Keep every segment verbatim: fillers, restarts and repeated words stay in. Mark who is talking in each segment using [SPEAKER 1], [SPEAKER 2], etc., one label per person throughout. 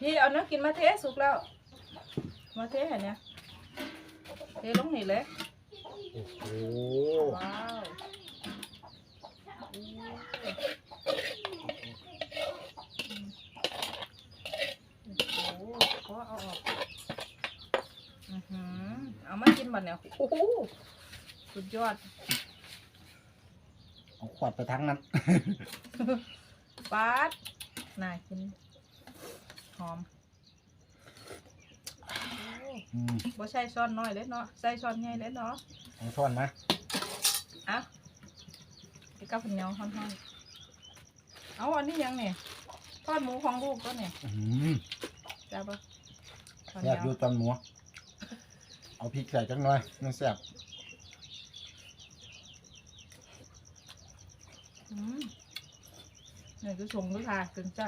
[SPEAKER 1] พี่เอาเนื้อกินมาเทสุกแล้วมาเทเห็นเนี่ยเทลงนี่เลย
[SPEAKER 2] โอ้โห
[SPEAKER 1] ว้าวโอ้โหก็เอาออกอือหือเอามากินบัดเนี่ยโอ้โหสุดยอด
[SPEAKER 2] เอาขวดไปทั้งนั้น
[SPEAKER 1] ปาดน่ากินหอมบ่ใช่ช้อนน้อยเลยเนาะใส่ช้อนใหญ่เลยเนาะ
[SPEAKER 2] เอาช้อนมา
[SPEAKER 1] อ่ะกินกับข้าวเหนียวห่อนๆเอาอันนี้ยังเนี่ยทอดหมูของลูกก็เนี่ยจ้าปะ
[SPEAKER 2] แซ่บอยู่ตอนหมูเอาพริกใส่จังหน่อยมันแซ่บ
[SPEAKER 1] อืมนี่คือชงด้วยค่ะถึงจับ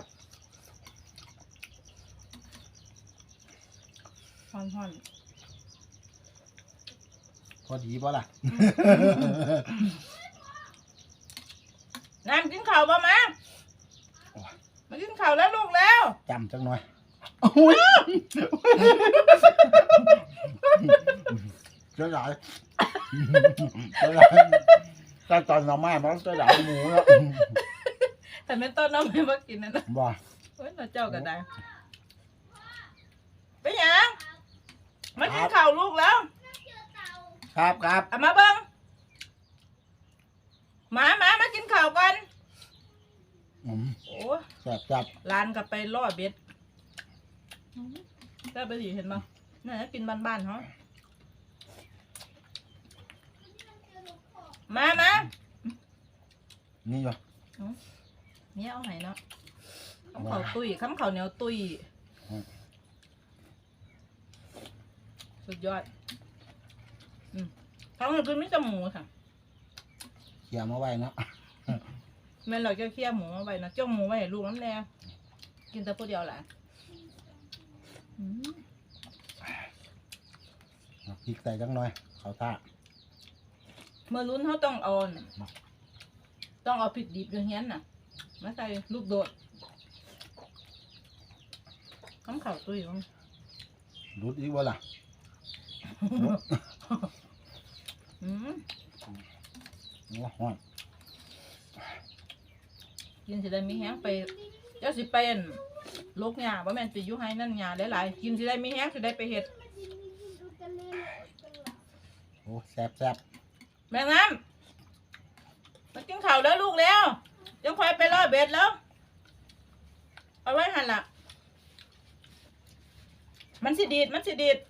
[SPEAKER 1] ห่อน
[SPEAKER 2] ๆพอดีป่ะล่ะ
[SPEAKER 1] น้ำกินข้าวป่ะมามากินข้าวแล้วลูกแล้ว
[SPEAKER 2] จำจังหน่อยเจ้าใหญ่เจ้าใหญ่ถ้าตอนเราไม่มันจะใหญ่หมูแล้ว
[SPEAKER 1] แต่ไม่ต้นน้องไม่มากินนะนะ
[SPEAKER 2] บ่
[SPEAKER 1] เฮ้ยเราเจ้ากันได้ไปยังมากินข้าวลูกแล้ว
[SPEAKER 2] ครับครับ
[SPEAKER 1] เอามาเบิ้งมามามากินข้าวกันโอ้
[SPEAKER 2] แซ่บจับ
[SPEAKER 1] ร้านกับไปล่อเบ็ดได้ไปสิเห็นมั้ยนี่นกินบ้านๆเขามามา
[SPEAKER 2] นี่เหรอ
[SPEAKER 1] เนี่ยเอาไหนเนาะข้าวเขาตุยข้าวเขาเหนียวตุยสุดยอดอืมท้องคือไม่จมูกค่ะ
[SPEAKER 2] เขี่ยมาไว้เนาะ
[SPEAKER 1] แม่เราจะเคี่ยวหมูมาไว้นะจ้องหมูไว้ให้ลูกน้ำแน่กินแต่ผู้เดียวแหละ
[SPEAKER 2] พริกใส่จังหน่อยเขาท่า
[SPEAKER 1] เมื่อลุ้นเขาต้องเอาต้องเอาพริกดิบอย่างเงี้ยน่ะมาใส่ลูกโดดข้าวเข่าตุ้ยมั้ง
[SPEAKER 2] รุดอีกวะล่ะ
[SPEAKER 1] อืม
[SPEAKER 2] ว้าว
[SPEAKER 1] กินสิได้มีแห้งไปเจ้าสิเป็นลูกหญ้าบ่แม่นสิอยู่ให้นั่นหญ้าหลายๆกินสิได้มีแห้งสิได้ไปเฮ็ด
[SPEAKER 2] โอ้แซ่บแซ่บ
[SPEAKER 1] แม่น้ำมากินข้าวแล้วลูกแล้วจังค่อยไปล่อเบ็ดแล้วเอาไว้หั่นล่ะมันสิดีดมันสิดีด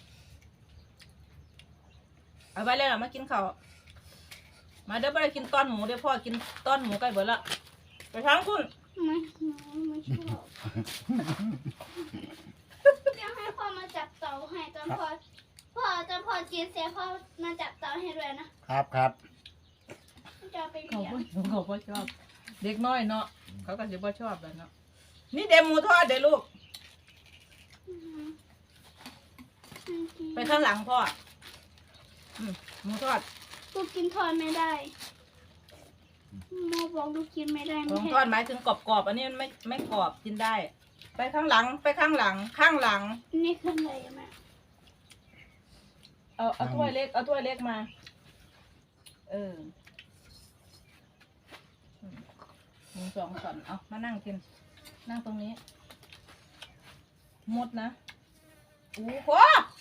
[SPEAKER 1] เอาไว้แล้วมากินข้าวมาเดี๋ยวไปกินต้อนหมูเดี๋ยวพ่อกินต้อนหมูใกล้เบิดละไปทางคุณ
[SPEAKER 3] ไม่ไม่ชอบอยากให้พ่อมาจับเต่าให้ตอนพ่อพ่อตอนพ่อกินเสร็จพ่อมาจับเต่าให้ด้วยนะครับ
[SPEAKER 2] ครับ
[SPEAKER 3] จะไป
[SPEAKER 1] เขา
[SPEAKER 3] เลี้ยง
[SPEAKER 1] เขาพ่อชอบเด็กน้อยเนาะเขาก็จะพ่อชอบแล้วเนาะนี่เดมหมูทอดเดี๋ยวลูกไปข้างหลังพ่อหมูทอด
[SPEAKER 3] ลูกกินทอดไม่ได้โมบอกลูกกินไม่ได้
[SPEAKER 1] หมูทอดหมายถึงกรอบๆอันนี้ไม่ไม่กรอบกินได้ไปข้างหลังไปข้างหลังข้างหลัง
[SPEAKER 3] นี่คืออะไรแม่
[SPEAKER 1] เอาเอาถ้วยเล็กเอาถ้วยเล็กมาเออหมูสองส่วนเอามานั่งกินนั่งตรงนี้หมดนะโอ้โห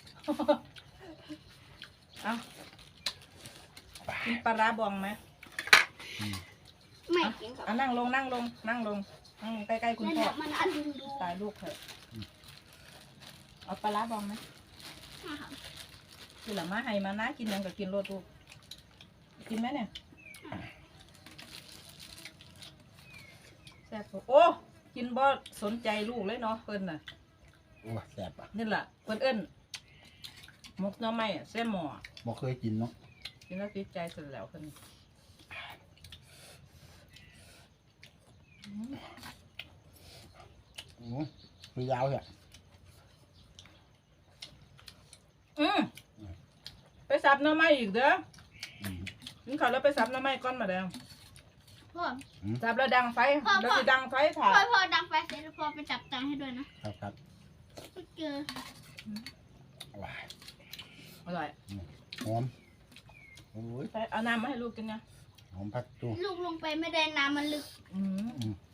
[SPEAKER 1] เอากินปลาร้าบองไหม
[SPEAKER 3] ไม่กินครับ
[SPEAKER 1] เอานั่งลงนั่งลงนั่งลงนั่งใกล้ๆคุณพ่อ
[SPEAKER 3] มันอันดู
[SPEAKER 1] ตายลูกเถอะเอาปลาร้าบองไหมกินหรือมาให้มานะกินยังกับกินโลดลูกกินไหมเนี่ยแซ่บโอ้กินบ่สนใจลูกเลยเนาะเพิ่นน่ะ
[SPEAKER 2] โอ้แซ่บอ่ะ
[SPEAKER 1] นี่แหละเพิ่นเอิ้นมกหน่อไม้แซ่บหม้อ
[SPEAKER 2] บ่เคยกินเนาะ
[SPEAKER 1] กินแล้วติดใจสุดแล้วเพิ่น
[SPEAKER 2] โอ้คือยาวเหรอ
[SPEAKER 1] อืมไปสับหน่อไม้อีกเด้อกินข้าวแล้วไปสับหน่อไม้ก้อนมาแล้ว
[SPEAKER 3] พ่อ
[SPEAKER 1] จับแล้วดังไฟ
[SPEAKER 3] พ่อ
[SPEAKER 1] แล้ว
[SPEAKER 3] พ่อ
[SPEAKER 1] จะดังไฟถ่า
[SPEAKER 3] พ่อพ่อดังไฟเสร็จแล้วพ่อไปจับตังค์ให้ด้วยนะครับ
[SPEAKER 2] ครับ
[SPEAKER 3] ไม่เจอ
[SPEAKER 2] ว้าย
[SPEAKER 1] อร่อย
[SPEAKER 2] หอมโอ้ย
[SPEAKER 1] ไปเอาน้ำมาให้ลูกกินนะ
[SPEAKER 2] หอมผักตู้
[SPEAKER 3] ลูกลงไปไม่ได้น้ำมันลึก
[SPEAKER 1] อืม
[SPEAKER 2] อืม